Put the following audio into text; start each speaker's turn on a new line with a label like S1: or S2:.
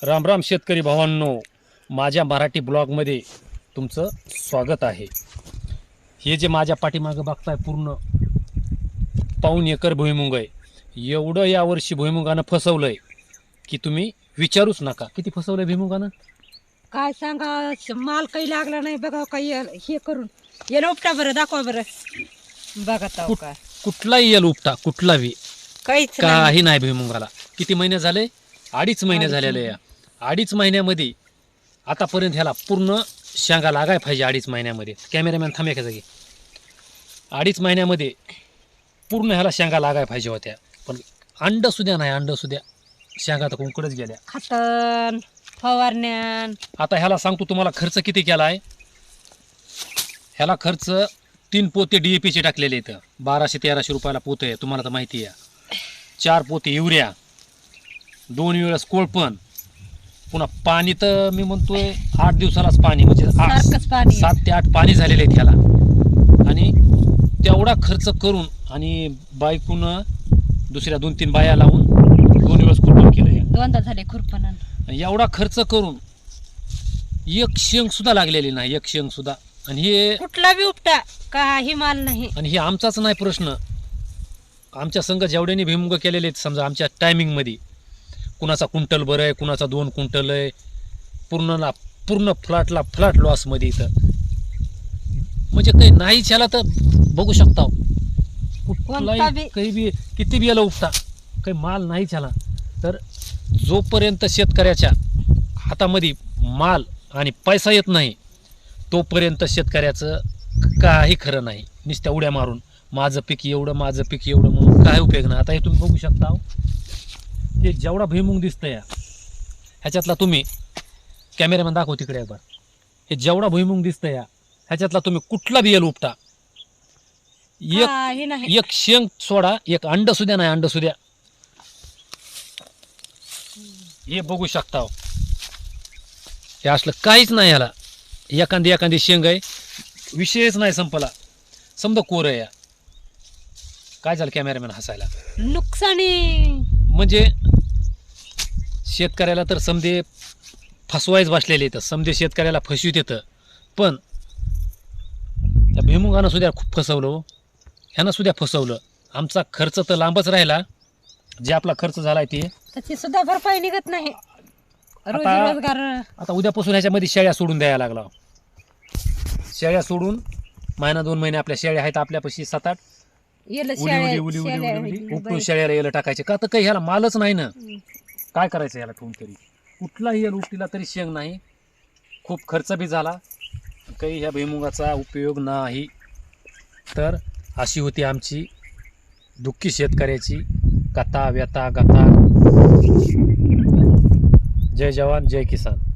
S1: राम राम शेतकरी भावांनो, माझ्या मराठी ब्लॉगमध्ये तुमचं स्वागत आहे. हे जे माझ्या पाठीमागं बघताय पूर्ण पाऊण एकर भुईमुग आहे. एवढं यावर्षी भुईमुगानं फसवलंय की तुम्ही विचारूच नका. किती फसवलंय भुईमुगानं
S2: काय सांगा, माल काही लागला नाही बघा. काही हे करून ये उपटा बरं, दाखवा बरं. बघा ताव काय
S1: कुठलाही येल उपटा, कुठलाही
S2: काहीच नाही.
S1: काही नाही भुईमुगाला. किती महिने झाले? 2.5 महिने झालेले. या 2.5 महिन्यामध्ये आतापर्यंत ह्याला पूर्ण शेंगा लागाय पाहिजे. 2.5 महिन्यामध्ये कॅमेरामॅन थांबे का जागी. 2.5 महिन्यामध्ये पूर्ण ह्याला शेंगा लागाय पाहिजे होत्या, पण अंड सुद्धा नाही. अंड सुद्धा शेंगा तर कुंकडच गेल्या.
S2: खातन फवारण्यान.
S1: आता ह्याला सांगतो तुम्हाला खर्च किती केला आहे. ह्याला खर्च 3 पोते DAP चे टाकलेले इथं 1200-1300 रुपयाला पोतं आहे, तुम्हाला तर माहिती आहे. 4 पोते युरिया, 2 वेळेस कोळपण, पुन्हा पाणी तर मी म्हणतोय 8 दिवसालाच पाणी, म्हणजे
S2: सारखंच पाणी.
S1: 7 ते 8 पाणी झालेले आहेत ह्याला. आणि तेवढा खर्च करून आणि बायकून दुसऱ्या 2-3 बाया लावून 2 वेळेस कोळपण केलं.
S2: दोनदा झाले खुरपण.
S1: एवढा खर्च करून एक शेंग सुद्धा लागलेली नाही, एक शेंग सुद्धा. आणि हे
S2: कुठला बी उपटा काही माल नाही.
S1: आणि हे आमचाच नाही प्रश्न. आमच्या संघ जेवढ्यानी भुईमुग केलेले आहेत, समजा आमच्या टायमिंगमध्ये कुणाचा क्विंटल बरं आहे, कुणाचा 2 क्विंटल आहे. पूर्ण फ्लॅट लॉसमध्ये इथं. म्हणजे काही नाहीच ह्याला तर बघू शकता. कुठलाही काही बी किती बी याला उपटा काही माल नाहीच ह्याला. तर जोपर्यंत शेतकऱ्याच्या हातामध्ये माल आणि पैसा येत नाही तोपर्यंत शेतकऱ्याचं काही खरं नाही. नुसत्या उड्या मारून माझं पीक एवढं, माझं पीक एवढं म्हणून काय उपयोग नाही. आता हे तुम्ही बघू शकता, हे जेवढा भुईमुग दिसतंय ह्याच्यातला, तुम्ही कॅमेरामॅन दाखव तिकडे एकदा. हे जेवढा भुईमुग दिसतंय ह्याच्यातला तुम्ही कुठला बियल उपटा, एक शेंग सोडा, एक अंड सुद्धा नाही. अंड सुद्धा हे बघू शकता. हे असलं काहीच नाही ह्याला. एखादी शेंग आहे, विषयच नाही संपला. समजा कोर आहे. काय झालं कॅमेरामॅन हसायला.
S2: नुकसानी
S1: म्हणजे शेतकऱ्याला तर समजे फसवायच बसलेले येतं. समजे शेतकऱ्याला फसवीत येतं. पण त्या भुईमुगानं सुद्धा खूप फसवलं. ह्यानं सुद्धा फसवलं. आमचा खर्च तर लांबच राहिला. जे आपला खर्च झालाय ते
S2: त्याची सुद्धा भरपाई निघत नाही. रोजगार
S1: आता उद्यापासून ह्याच्यामध्ये शेळ्या सोडून द्यायला लागला. शेळ्या सोडून महिना 2 महिने आपल्या शेळ्या आहेत आपल्यापाशी 7-8. उपटून शेळ्याला यायला टाकायचे का, तर काही ह्याला मालच नाही ना. काय करायचं ह्याला ठेवून तरी. कुठलाही याला उपटीला तरी शेंग नाही. खूप खर्च बी झाला, काही ह्या भुईमुगाचा उपयोग नाही. तर अशी होती आमची दुःखी शेतकऱ्याची कथा व्यथा गथा. जय जवान जय किसान.